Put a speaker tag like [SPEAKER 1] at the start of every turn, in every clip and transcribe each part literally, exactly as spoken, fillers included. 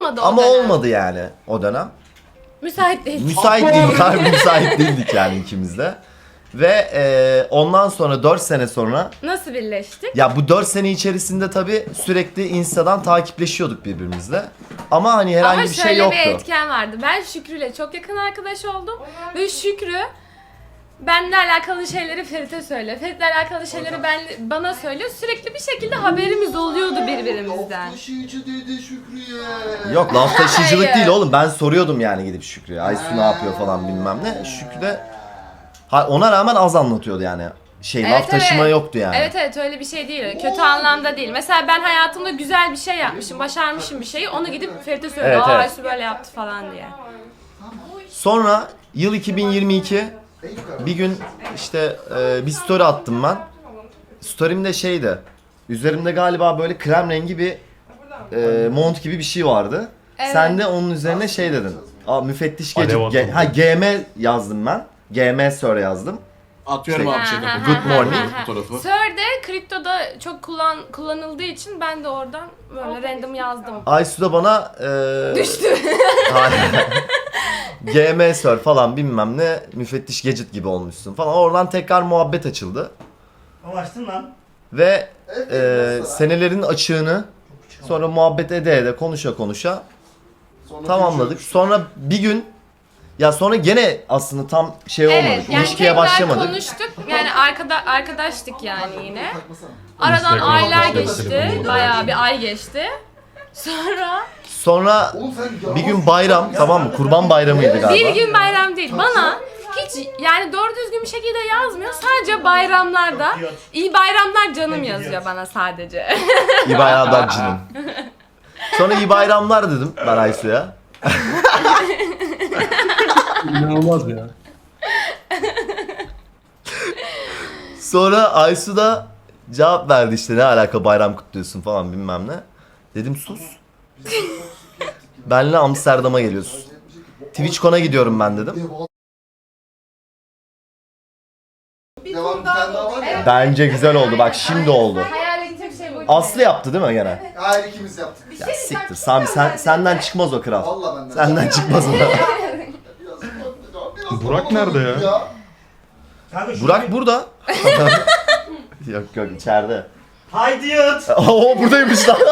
[SPEAKER 1] olmadı o
[SPEAKER 2] Ama
[SPEAKER 1] dönem.
[SPEAKER 2] olmadı yani o dönem.
[SPEAKER 1] Müsait değil.
[SPEAKER 2] Müsait değildik, harbi müsait değildik yani ikimiz de. Ve e, ondan sonra dört sene sonra,
[SPEAKER 1] Nasıl birleştik?
[SPEAKER 2] ya bu dört sene içerisinde tabii sürekli Insta'dan takipleşiyorduk birbirimizle. Ama hani herhangi
[SPEAKER 1] Ama
[SPEAKER 2] bir şey
[SPEAKER 1] şöyle
[SPEAKER 2] yoktu.
[SPEAKER 1] bir etken vardı. Ben Şükrü'yle çok yakın arkadaş oldum. Ve Şükrü benimle alakalı şeyleri Ferit'e söyle. Ferit'le alakalı şeyleri ben, bana söylüyor. Sürekli bir şekilde haberimiz oluyordu birbirimizden.
[SPEAKER 3] Taşıyıcı dedi Şükrü'ye.
[SPEAKER 2] Yok, laf taşıyıcılık
[SPEAKER 1] Hayır.
[SPEAKER 2] değil oğlum. Ben soruyordum yani gidip Şükrü'ye. Aysu ne yapıyor falan bilmem ne. Şükrü de ha, ona rağmen az anlatıyordu yani. Şey
[SPEAKER 1] Evet,
[SPEAKER 2] laf taşıma
[SPEAKER 1] evet.
[SPEAKER 2] yoktu yani.
[SPEAKER 1] Evet evet öyle bir şey değil. Kötü anlamda değil. Mesela ben hayatımda güzel bir şey yapmışım, başarmışım bir şeyi. Onu gidip Ferit'e söylüyor.
[SPEAKER 2] Evet,
[SPEAKER 1] Aa
[SPEAKER 2] evet.
[SPEAKER 1] Aysu böyle yaptı falan diye.
[SPEAKER 2] Sonra yıl iki bin yirmi iki bir gün işte e, bir story attım ben. Story'imde şeydi. Üzerimde galiba böyle krem rengi bir e, mont gibi bir şey vardı.
[SPEAKER 1] Evet.
[SPEAKER 2] Sen de onun üzerine şey dedin. Aa, müfettiş gece.
[SPEAKER 4] Alev
[SPEAKER 2] Ge-
[SPEAKER 4] atıldı.
[SPEAKER 2] ha G M yazdım ben. G M Sir yazdım.
[SPEAKER 3] Atıyorum
[SPEAKER 2] Şey-
[SPEAKER 3] abi şey
[SPEAKER 1] Ha, ha,
[SPEAKER 2] Good
[SPEAKER 1] ha,
[SPEAKER 2] morning.
[SPEAKER 1] ha, ha.
[SPEAKER 3] fotoğrafı.
[SPEAKER 1] Sir de kriptoda çok kullan kullanıldığı için ben de oradan böyle random yazdım.
[SPEAKER 2] Aysu da bana e,
[SPEAKER 1] Düştü.
[SPEAKER 2] Hayır. G M Sir falan bilmem ne müfettiş Gadget gibi olmuşsun falan. Oradan tekrar muhabbet açıldı.
[SPEAKER 4] Amaçtın lan.
[SPEAKER 2] Ve e, senelerin açığını sonra muhabbet ede ede konuşa konuşa
[SPEAKER 3] Sonra
[SPEAKER 2] tamamladık. Sonra bir gün ya sonra gene aslında tam şey olmadı.
[SPEAKER 1] Evet yani
[SPEAKER 2] İlişkiye
[SPEAKER 1] tekrar
[SPEAKER 2] başlamadık.
[SPEAKER 1] konuştuk. Yani arkada arkadaştık yani yine.
[SPEAKER 3] takmasana.
[SPEAKER 1] Aradan
[SPEAKER 4] Instagram
[SPEAKER 1] aylar
[SPEAKER 4] arkadaşları
[SPEAKER 1] geçti.
[SPEAKER 4] bunu.
[SPEAKER 1] Bayağı bir ay geçti. Sonra
[SPEAKER 2] Sonra
[SPEAKER 3] Oğlum sen
[SPEAKER 2] bir gün bayram, tamam mı? Kurban bayramıydı galiba.
[SPEAKER 1] bir gün bayram değil. Bana hiç yani doğru düzgün bir şekilde yazmıyor. Sadece bayramlarda iyi bayramlar canım yazıyor bana sadece.
[SPEAKER 2] İyi bayramlar canım. Sonra iyi bayramlar dedim ben Aysu'ya.
[SPEAKER 4] İnanılmaz ya.
[SPEAKER 2] Sonra Aysu da cevap verdi işte ne alaka bayram kutluyorsun falan bilmem ne. Dedim sus. Benle Amsterdam'a geliyorsun. TwitchCon'a gidiyorum ben dedim.
[SPEAKER 3] Devam bir tane daha var ya.
[SPEAKER 2] Bence güzel oldu bak şimdi oldu.
[SPEAKER 1] Hayal edecek şey buydu.
[SPEAKER 2] Aslı yaptı değil mi gene?
[SPEAKER 3] Hayır ikimiz yaptık.
[SPEAKER 2] Ya siktir Sami sen, senden çıkmaz o kral.
[SPEAKER 3] Valla benden.
[SPEAKER 2] Senden çıkmaz o.
[SPEAKER 3] Biraz-
[SPEAKER 4] Burak nerede ya?
[SPEAKER 2] Burak burada. Yok yok içeride.
[SPEAKER 4] Haydi yat.
[SPEAKER 2] Oo buradaymış lan.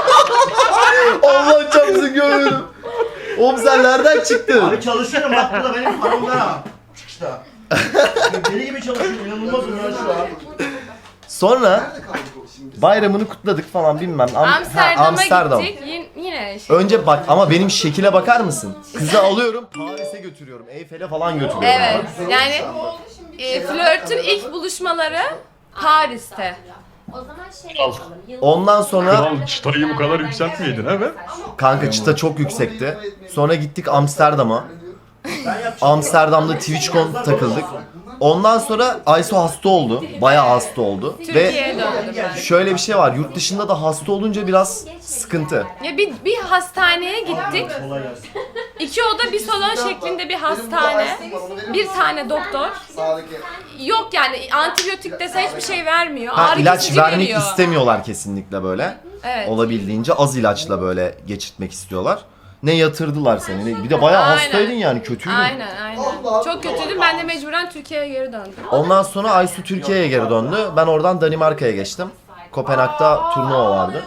[SPEAKER 2] Allah çarpsın görmedim. Oğlum sen nereden çıktın?
[SPEAKER 5] Abi çalışıyorum bak burada benim paramda ha. Çıkışta. Deli gibi çalışıyorum inanılmazım ya şu an.
[SPEAKER 2] Sonra
[SPEAKER 3] Nerede kaldık o şimdi?
[SPEAKER 2] bayramını kutladık falan bilmem. Am- ha,
[SPEAKER 1] Amsterdam'a
[SPEAKER 2] Amsterdam.
[SPEAKER 1] gittik. Yin- yine şey.
[SPEAKER 2] Önce bak ama benim şekile bakar mısın? Kızı alıyorum Paris'e götürüyorum. Eyfel'e falan götürüyorum.
[SPEAKER 1] Evet. Yani e, flörtün ilk buluşmaları Paris'te.
[SPEAKER 6] O zaman şey yapalım. yıl-
[SPEAKER 2] Ondan sonra
[SPEAKER 4] Kral çıtayı bu kadar yükseltmeydin ha be?
[SPEAKER 2] kanka çıta çok yüksekti. Sonra gittik Amsterdam'a.
[SPEAKER 5] Ben yapacağım.
[SPEAKER 2] Amsterdam'da TwitchCon takıldık. Ondan sonra Aysu hasta oldu. Bayağı hasta oldu. Ve
[SPEAKER 1] Türkiye'ye döndüm ben.
[SPEAKER 2] şöyle bir şey var. Yurt dışında da hasta olunca biraz sıkıntı.
[SPEAKER 1] Ya bir, bir hastaneye gittik.
[SPEAKER 5] Kolay gelsin.
[SPEAKER 1] İki oda bir salon şeklinde bir hastane. Bir tane doktor.
[SPEAKER 3] Sağdaki.
[SPEAKER 1] Yok yani antibiyotik dese hiçbir şey vermiyor.
[SPEAKER 2] Ha,
[SPEAKER 1] Ağrı
[SPEAKER 2] ilaç
[SPEAKER 1] kesici
[SPEAKER 2] vermek
[SPEAKER 1] veriyor.
[SPEAKER 2] istemiyorlar kesinlikle böyle.
[SPEAKER 1] Evet.
[SPEAKER 2] Olabildiğince az ilaçla böyle geçirtmek istiyorlar. Ne yatırdılar seni. ne- Bir de bayağı
[SPEAKER 1] Aynen.
[SPEAKER 2] hastaydın yani kötüydün.
[SPEAKER 1] Aynen aynen. Çok kötüydüm. Ben de mecburen Türkiye'ye geri döndüm.
[SPEAKER 2] Ondan sonra Aysu Türkiye'ye geri döndü. Ben oradan Danimarka'ya geçtim. Kopenhag'da turnuva vardı.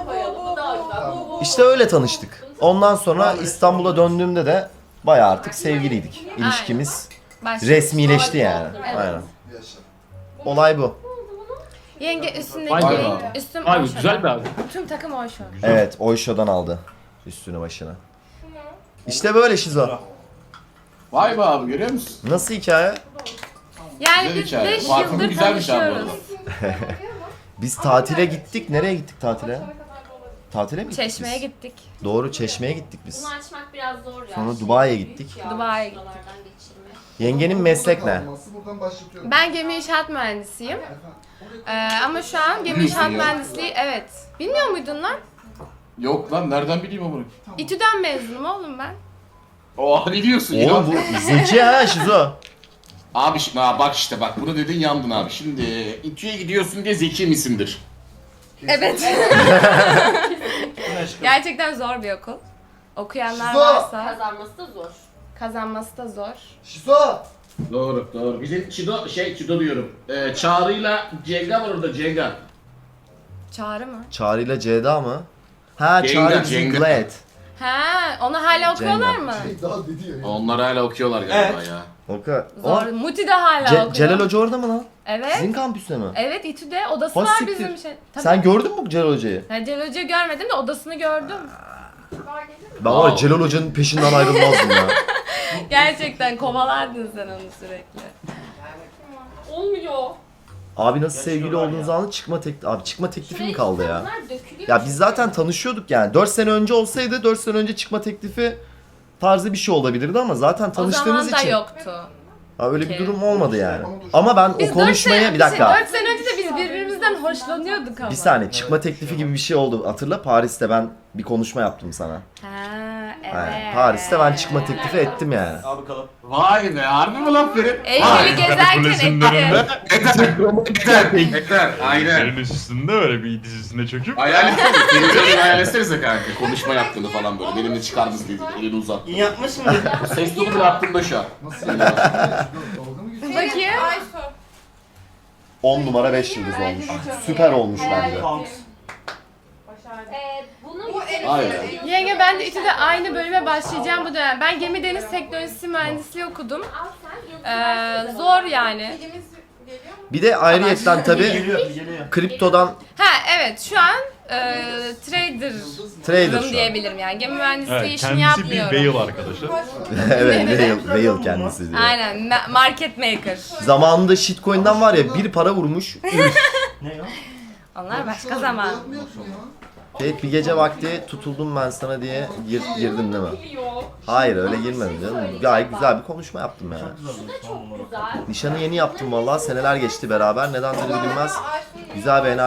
[SPEAKER 2] İşte öyle tanıştık. Ondan sonra İstanbul'a döndüğümde de bayağı artık sevgiliydik. İlişkimiz
[SPEAKER 1] Başka.
[SPEAKER 2] resmileşti yani. Aynen.
[SPEAKER 3] Yaşa.
[SPEAKER 2] Olay bu.
[SPEAKER 1] Yenge üstündeki
[SPEAKER 4] Vay be.
[SPEAKER 1] renk, üstüm
[SPEAKER 4] Abi
[SPEAKER 1] Oyşo.
[SPEAKER 4] güzel bir abi.
[SPEAKER 1] Tüm takım Oyşo.
[SPEAKER 2] Evet, Oyşo'dan aldı üstünü başına. İşte böyle Şizo.
[SPEAKER 3] Vay be abi görüyor musun?
[SPEAKER 2] Nasıl hikaye?
[SPEAKER 1] Yani
[SPEAKER 3] Güzel
[SPEAKER 1] biz
[SPEAKER 3] hikaye.
[SPEAKER 1] beş
[SPEAKER 3] Parfümü
[SPEAKER 1] yıldır
[SPEAKER 3] güzelmiş abi bu arada.
[SPEAKER 1] tanışıyoruz.
[SPEAKER 2] Biz tatile gittik. Nereye gittik tatile? Tatile mi gittik
[SPEAKER 1] Çeşme'ye
[SPEAKER 2] biz?
[SPEAKER 1] gittik.
[SPEAKER 2] Doğru, Çeşme'ye gittik biz.
[SPEAKER 6] Bunu açmak biraz zor ya.
[SPEAKER 2] Sonra Dubai'ye gittik.
[SPEAKER 1] Dubai'ye gittik.
[SPEAKER 6] Buralardan geçirmek.
[SPEAKER 2] Yengenin meslek ne?
[SPEAKER 3] Buradan başlatıyorum.
[SPEAKER 1] Ben gemi inşaat mühendisiyim. Ee, ama şu an gemi
[SPEAKER 3] Biliyorsun
[SPEAKER 1] inşaat
[SPEAKER 3] ya.
[SPEAKER 1] mühendisliği evet. Bilmiyor muydun lan?
[SPEAKER 3] Yok lan nereden bileyim amına?
[SPEAKER 1] İTÜ'den mezunum oğlum ben.
[SPEAKER 3] Oha ne diyorsun ya?
[SPEAKER 2] Oğlum bu zeki ha Şizo.
[SPEAKER 3] Abi şimdi ha, bak işte bak bunu dedin yandın abi. Şimdi İTÜ'ye gidiyorsun diye zeki misindir?
[SPEAKER 1] Evet. Gerçekten zor bir okul. Okuyanlar
[SPEAKER 5] Şizo!
[SPEAKER 1] varsa
[SPEAKER 6] Kazanması da zor.
[SPEAKER 1] kazanması da zor.
[SPEAKER 5] Şizo!
[SPEAKER 3] Doğru doğru. Bizim Çido şey Çido diyorum. Ee, Çağrı'yla Cenga var orada Cenga.
[SPEAKER 1] Çağrı mı?
[SPEAKER 2] Çağrı ile Ceyda mı? Ha
[SPEAKER 3] Cenga,
[SPEAKER 2] Çağrı bizim
[SPEAKER 3] Cenga.
[SPEAKER 2] Glad.
[SPEAKER 1] He, onu hala okuyorlar mı?
[SPEAKER 5] Daha dedi ya.
[SPEAKER 3] Onlar hala okuyorlar galiba ya.
[SPEAKER 2] Oka.
[SPEAKER 1] Zor.
[SPEAKER 2] O,
[SPEAKER 1] Muti de hala
[SPEAKER 2] Ce-
[SPEAKER 1] okuyor.
[SPEAKER 2] Celal Hoca orada mı lan?
[SPEAKER 1] Evet.
[SPEAKER 2] Sizin kampüste mi?
[SPEAKER 1] Evet, İTÜ'de odası
[SPEAKER 2] Ha,
[SPEAKER 1] var
[SPEAKER 2] siktir.
[SPEAKER 1] bizim şey. Tabii.
[SPEAKER 2] Sen gördün mü Celal Hoca'yı?
[SPEAKER 1] Ya Celal Hoca'yı görmedim de odasını gördüm.
[SPEAKER 2] Ben var ya
[SPEAKER 3] Wow.
[SPEAKER 2] Celal Hoca'nın peşinden ayrılmazdım ya.
[SPEAKER 1] Gerçekten kovalardın sen onu sürekli. Olmuyor.
[SPEAKER 2] Abi nasıl sevgili olduğunuz anı çıkma teklifi. Abi çıkma teklifi mi kaldı ya?
[SPEAKER 6] Bunlar dökülüyor.
[SPEAKER 2] Ya biz zaten tanışıyorduk yani. dört sene önce olsaydı dört sene önce çıkma teklifi tarzı bir şey olabilirdi ama zaten
[SPEAKER 1] O
[SPEAKER 2] tanıştığımız
[SPEAKER 1] zaman da
[SPEAKER 2] için
[SPEAKER 1] yoktu.
[SPEAKER 2] ha, öyle bir
[SPEAKER 1] Okey.
[SPEAKER 2] durum olmadı yani. Ama ben
[SPEAKER 1] Biz
[SPEAKER 2] o konuşmaya
[SPEAKER 1] dört
[SPEAKER 2] bir
[SPEAKER 1] sene,
[SPEAKER 2] dakika.
[SPEAKER 1] dört sene önce de biz birbirimizden hoşlanıyorduk ama.
[SPEAKER 2] Bir saniye çıkma teklifi gibi bir şey oldu. Hatırla Paris'te ben bir konuşma yaptım sana.
[SPEAKER 1] Ha, evet.
[SPEAKER 2] Yani Paris'te ben çıkma teklifi ettim yani.
[SPEAKER 5] Al bakalım.
[SPEAKER 3] Vay be harbi mi lan Ferit?
[SPEAKER 1] Eylül'ü gezerken
[SPEAKER 4] Kulesinin
[SPEAKER 1] etti.
[SPEAKER 4] önünde.
[SPEAKER 3] Yeter yeter aynen.
[SPEAKER 4] Elin üstünde böyle bir dizisine çöküp.
[SPEAKER 3] Hayal etsene. Ferit'i öyle hayal etsenize kanka. Konuşma yaptığını falan böyle. Benimle çıkar mısın dedi. Elini uzat.
[SPEAKER 5] İyi yapmış mı?
[SPEAKER 3] Ses tonu bile aklımda şu an.
[SPEAKER 1] Bakayım.
[SPEAKER 2] on numara beş yıldız olmuş. Süper olmuş bence.
[SPEAKER 5] Kanks.
[SPEAKER 6] Ee, bunun
[SPEAKER 3] Aynen.
[SPEAKER 1] Yenge ben de İTÜ'de aynı bölüme başlayacağım bu dönem. Ben gemi deniz teknolojisi mühendisliği okudum.
[SPEAKER 6] al sen.
[SPEAKER 1] Ee, zor yani.
[SPEAKER 2] Bir de ayrıyetten tabi
[SPEAKER 5] Geliyor, geliyor.
[SPEAKER 2] kriptodan
[SPEAKER 1] Ha evet şu an e, trader
[SPEAKER 2] trader şu an.
[SPEAKER 1] diyebilirim yani. Gemi mühendisliği
[SPEAKER 4] Evet,
[SPEAKER 1] işini
[SPEAKER 4] kendisi bir
[SPEAKER 1] yapmıyorum.
[SPEAKER 4] Bale arkadaşı.
[SPEAKER 2] Evet Whale, Whale kendisi diyor.
[SPEAKER 1] Aynen ma- market maker.
[SPEAKER 2] Zamanında shitcoin'den var ya bir para vurmuş. Üf.
[SPEAKER 5] Ne ya?
[SPEAKER 1] Onlar başka zaman.
[SPEAKER 2] Ferit bir gece vakti tutuldum ben sana diye gir, girdin değil mi? Hayır öyle girmedim canım. Gayet güzel bir konuşma yaptım yani.
[SPEAKER 6] Çok güzel.
[SPEAKER 2] Nişanı yeni yaptım vallahi seneler geçti beraber. Nedendir bilinmez. Güzel bir enerji